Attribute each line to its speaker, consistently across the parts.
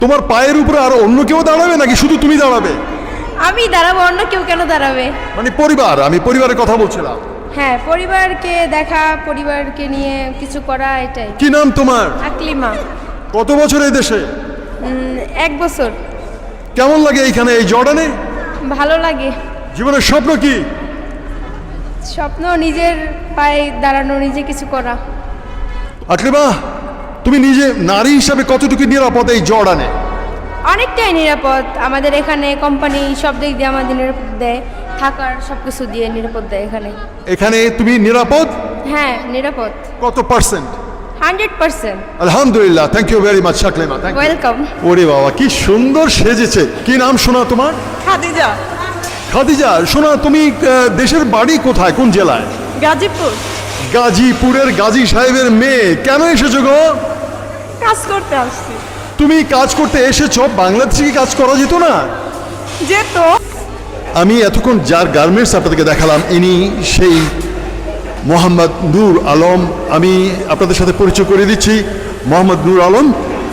Speaker 1: তোমার পায়ের উপরে আর অন্য কেউ দাঁড়াবে নাকি শুধু তুমি দাঁড়াবে?
Speaker 2: আমি দাঁড়াবো, অন্য কেউ কেন দাঁড়াবে?
Speaker 1: মানে পরিবার, আমি পরিবারের কথা বলছিলাম।
Speaker 2: হ্যাঁ, পরিবারকে দেখা, পরিবারকে নিয়ে কিছু করা, এটাই।
Speaker 1: কি নাম তোমার?
Speaker 2: আকলিমা।
Speaker 1: কত বছর এই দেশে?
Speaker 2: 1 বছর।
Speaker 1: কেমন লাগে এইখানে এই জর্ডানে?
Speaker 2: ভালো লাগে।
Speaker 1: জীবনের স্বপ্ন কি?
Speaker 2: স্বপ্ন নিজের পায়ে দাঁড়ানো, নিজে কিছু করা।
Speaker 1: আকলিমা, তুমি নিজে নারী হিসাবে কতটুকু নিরাপদ এই জর্ডানে?
Speaker 2: অনেকটাই নিরাপদ। আমাদের এখানে কোম্পানি সব দিক দিয়ে আমাদের নিরাপদ দেয়, থাকার সব কিছু দিয়ে নিরাপদ দেয় এখানে।
Speaker 1: এখানে তুমি নিরাপদ?
Speaker 2: হ্যাঁ, নিরাপদ।
Speaker 1: কত পার্সেন্ট?
Speaker 2: 100%।
Speaker 1: আলহামদুলিল্লাহ, thank you very much Aklima. Thank you.
Speaker 2: Welcome.
Speaker 1: ওরে বাবা, কি সুন্দর সেজেছে। কি নাম শোনা তোমার?
Speaker 3: খাদিজা।
Speaker 1: খাদিজা, শোনা তুমি দেশের বাড়ি কোথায়, কোন জেলায়?
Speaker 3: গাজীপুর।
Speaker 1: গাজীপুরের গাজী সাহেবের মেয়ে। কেন এসেছো গো?
Speaker 3: কাজ করতে আসছি।
Speaker 1: তুমি কাজ করতে এসেছো, বাংলাদেশে কি কাজ করা যেত না?
Speaker 3: যেত।
Speaker 1: আমি এতক্ষণ যার গার্মেন্টস আপনাদেরকে দেখালাম, ইনি সেই মোহাম্মদ নূর আলম। আমি আপনাদের সাথে পরিচয় করে দিচ্ছি, মোহাম্মদ নূর আলম।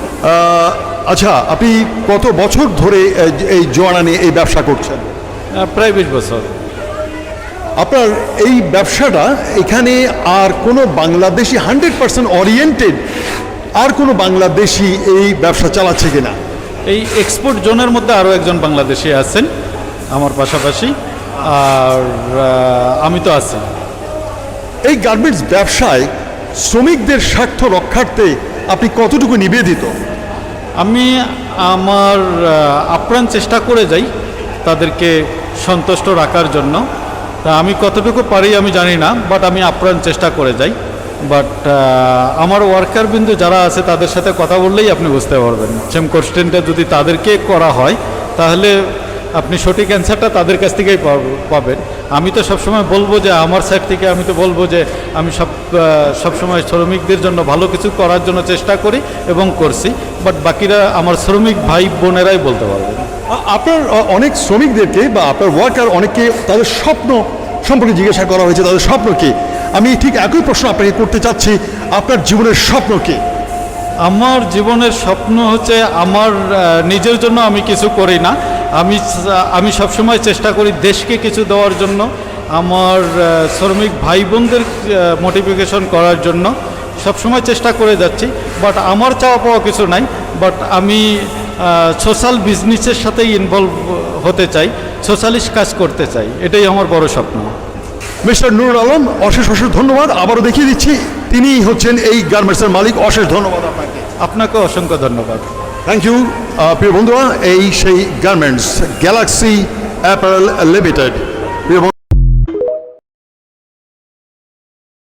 Speaker 1: আচ্ছা, আপনি কত বছর ধরে এই জর্ডানে এই ব্যবসা করছেন?
Speaker 4: প্রায় 20 বছর।
Speaker 1: আপনার এই ব্যবসাটা এখানে আর কোনো বাংলাদেশি 100% ওরিয়েন্টেড আর কোনো বাংলাদেশি এই ব্যবসা চালাচ্ছে কিনা?
Speaker 4: এই এক্সপোর্ট জোনের মধ্যে আরও একজন বাংলাদেশি আছেন আমার পাশাপাশি, আর আমি তো আছি।
Speaker 1: এই গার্মেন্টস ব্যবসায় শ্রমিকদের স্বার্থ রক্ষার্থে আপনি কতটুকু নিবেদিত?
Speaker 4: আমি আমার আপ্রাণ চেষ্টা করে যাই তাদেরকে সন্তুষ্ট রাখার জন্য। তা আমি কতটুকু পারি আমি জানি না, বাট আমি আপ্রাণ চেষ্টা করে যাই। বাট আমার ওয়ার্কার বিন্দু যারা আছে তাদের সাথে কথা বললেই আপনি বুঝতে পারবেন। সেম কোশ্চেনটা যদি তাদেরকে করা হয় তাহলে আপনি সঠিক অ্যান্সারটা তাদের কাছ থেকেই পাবেন। আমি তো সবসময় বলবো যে আমার সাইড থেকে আমি তো বলবো যে আমি সবসময় শ্রমিকদের জন্য ভালো কিছু করার জন্য চেষ্টা করি এবং করছি, বাট বাকিরা আমার শ্রমিক ভাই বোনেরাই বলতে পারবেন।
Speaker 1: আপনার অনেক শ্রমিকদেরকে বা আপনার ওয়ার্কার অনেককে তাদের স্বপ্ন সম্পর্কে জিজ্ঞাসা করা হয়েছে, তাদের স্বপ্ন কি? আমি ঠিক একই প্রশ্ন আপনাকে করতে চাচ্ছি, আপনার জীবনের স্বপ্ন কি?
Speaker 4: আমার জীবনের স্বপ্ন হচ্ছে আমার নিজের জন্য আমি কিছু করি না, আমি সবসময় চেষ্টা করি দেশকে কিছু দেওয়ার জন্য, আমার শ্রমিক ভাই বোনদের মোটিভেশন করার জন্য সবসময় চেষ্টা করে যাচ্ছি। বাট আমার চাওয়া পাওয়া কিছু নাই, বাট আমি সোশ্যাল বিজনেসের সাথেই ইনভলভ হতে চাই, সোশ্যালিস্ট কাজ করতে চাই, এটাই আমার বড় স্বপ্ন।
Speaker 1: মিস্টার নূর আলম, অশেষ অশেষ ধন্যবাদ। আবারও দেখিয়ে দিচ্ছি তিনি হচ্ছেন এই গার্মেন্টসের মালিক। অশেষ ধন্যবাদ আপনাকে।
Speaker 4: আপনাকেও অসংখ্য ধন্যবাদ।
Speaker 1: Thank you. প্রিয় বন্ধুরা, এই সেই গার্মেন্টস গ্যালাক্সি অ্যাপারেল লিমিটেড।